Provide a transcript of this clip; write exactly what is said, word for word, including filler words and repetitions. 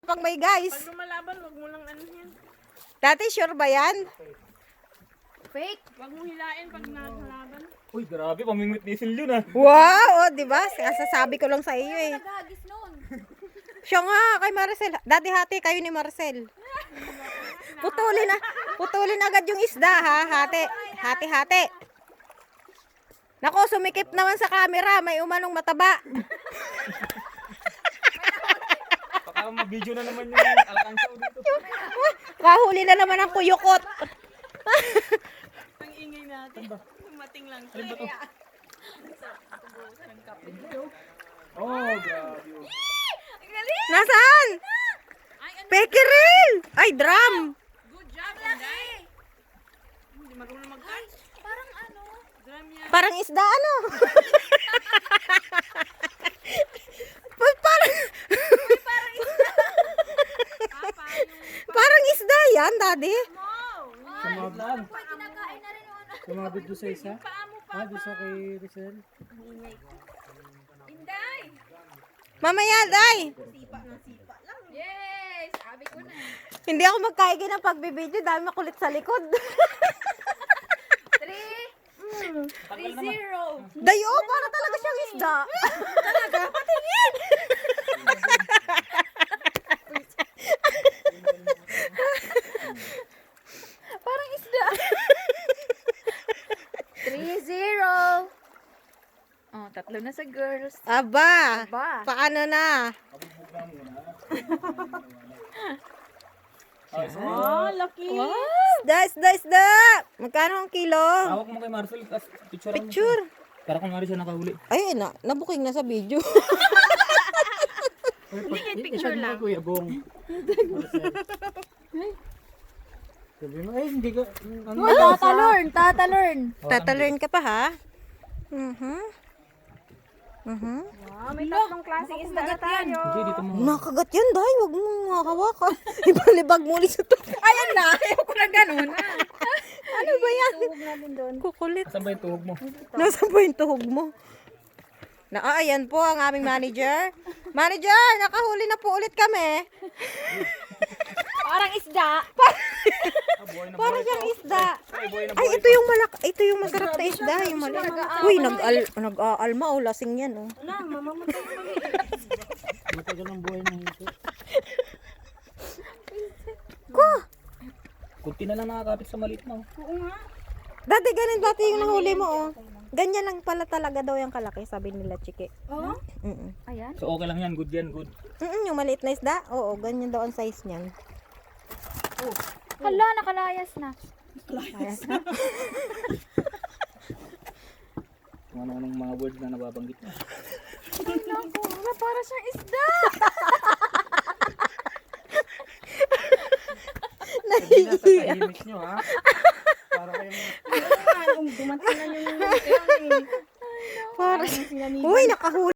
Pag may guys. Pag lumalaban, wag mo lang ano yan. Dati sure ba yan? Fake. Wag mo hilain pag nalaban. Uy, grabe, pamimit nisil yun ah. Wow, oh, di ba? Sasabi ko lang sa iyo eh. Nagagis noon. Siya nga kay Maricel. Dati hati kayo ni Maricel. Putulin na. Putulin agad yung isda ha. Hati. Hati-hati. Nako, sumikip naman sa camera. May umanong mataba. Baka mag-video na naman yung alkansaw dito. Kahuli na naman ang kuyukot. Ang ingay natin. Tumating lang siya. Alin ba to? Oh, grabe. Nasaan? Ay, ano? Pekerel! Ay, drum! Good job, Inday. Hindi marunong mag-catch. Parang ano? Drum yan. Parang isda ano? Pa- parang, Papa, yung... parang isda yan, daddy. Wow! Sumablan. Kinakain na rin yung ano. Sumabit doon sa isa. Paa mo, Ah, doon sa kay Rizal. Inday! Mamaya, day. Sipa ng sipa lang. Yes! Sabi ko na. Hindi ako magkaigi ng pagbibideo dahil makulit sa likod. Three. Three zero. Dayo, para talaga siyang isda. Talaga? Patingin! Parang isda. Three zero. Oh, tatlo na sa girls. Aba, Aba. paano na? Oh, lucky. Isda, isda, isda! Magkano ang kilo? Hawak mo kay Marcel, tas picture mo. Picture. Para kung nga rin siya nakahuli. Ay, na, nabuking na sa video. Hindi, picture lang. Kuya Bong. Sabi mo, eh, hindi ka, ano? Tatalorn, tatalorn. Tatalern ka pa, ha? Mhm. Mhm. Wow, may tatlong klaseng isda na tayo. Hindi, dito mo. Nakagat yan, day. Huwag mo nga hawakan. Ibalibag mo ulit sa to. Ayan na, ayaw ko na ganun. Ano ba yan? Tuhog natin doon. Kukulit. Saan ba yung tuhog mo? Nasaan ba yung tuhog mo? Na, ah, ayan po ang aming manager. Manager, nakahuli na po ulit kami. Parang isda. Ah, buhay na Para buhay siyang to. isda. Ay, buhay na Ay, buhay ito yung malak, ito yung masarap na isda, yung malak. Uy, nag-al, nag-aalma o lasing yan, oh. Wala, mamamatay ko kami. Matagal ang buhay na ito. Ko! Kunti na lang nakakapit sa maliit mo. Oo nga. Dati ganun dati yung nahuli mo, oh. Ganyan lang pala talaga daw yung kalaki, sabi nila, Chiki. Oo? Mm-mm. Ayan. So okay lang yan, good yan, good. Mm-mm, yung maliit na isda, oo, ganyan daw ang size niyan. Hala, nakalayas na. Nakalayas na? Kung ano-anong mga words na nababanggit mo. Ay, naku. Wala, para siyang isda. Tahimik nyo ha. Para kayong... Kung dumating na yung... Para, uy, nakahuli.